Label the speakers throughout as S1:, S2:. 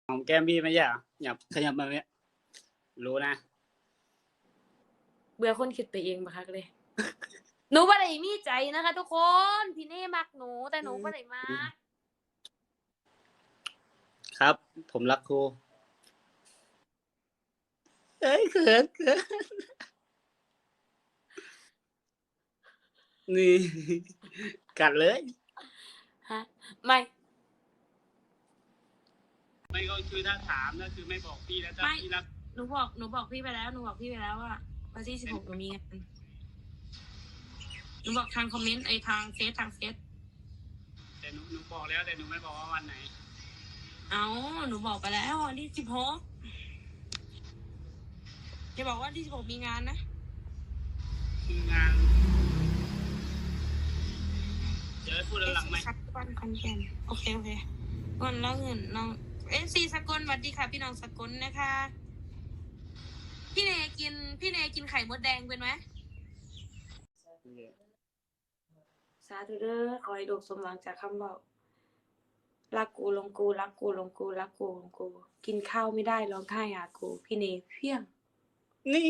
S1: หอมแก้มพี่ไม่ใช่เหรอขยับมาเนี่ยรู้นะ
S2: เบื่อคนคิดไปเองบักคักเลยหนูบ่ได้มีใจนะคะทุกคนพี่เน่มักหนูแต่หนูบ่ได้มัก
S1: ครับผมรักครูเอ้ยเขินนี่กัดเลย
S2: ฮะไม่
S1: ก็คือถ้าถามก็คือไม่บอกพี่แล้วถ้าพี่รัก
S2: หนูบอกพี่ไปแล้วว่าวันที่16หนูมีงานหนูบอกทางคอมเมนต์ทางเฟซ
S1: แต่หนูบอกแล้วแต่หนูไม่บอกว่าวันไหน
S2: หนูบอกไปแล้ววันที่16จะบอกว่าวันที่16มีงานนะ
S1: คืองานเดี๋ยวพูดหลังไหม
S2: วันคอนแก่นโอเควันแล้วเงินน้องซีสกลสวัสดีค่ะพี่น้องสกลนะคะพี่เนกินไข่มดแดงเป็นไหมสาธุเด้อขอให้ลูกสมหวังจากคำบอกรักกูลงกูรักกูลงกูรักกูลงกูกินข้าวไม่ได้ร้องไห้หากูพี่เนเพี้ยง
S1: นี่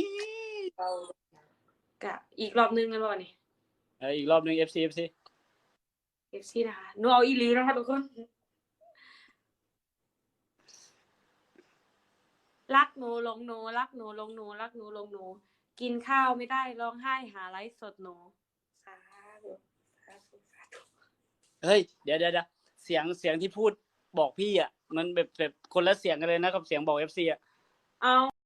S2: กะอีกรอบนึงกันบ่นี่
S1: อีกรอบนึง FC
S2: นะคะหนูเอาอีหลีนะคะทุกคนรักหนูลงหนูรักหนูลงหนูรักหนูลงหนูกินข้าวไม่ได้ร้องไห้หาไลฟ์สดหนูสาธุ
S1: เฮ้ยเดี๋ยวเสียงที่พูดบอกพี่อ่ะมันแบบคนละเสียงกันเลยนะกับเสียงบอก FC อ่ะ
S2: เอา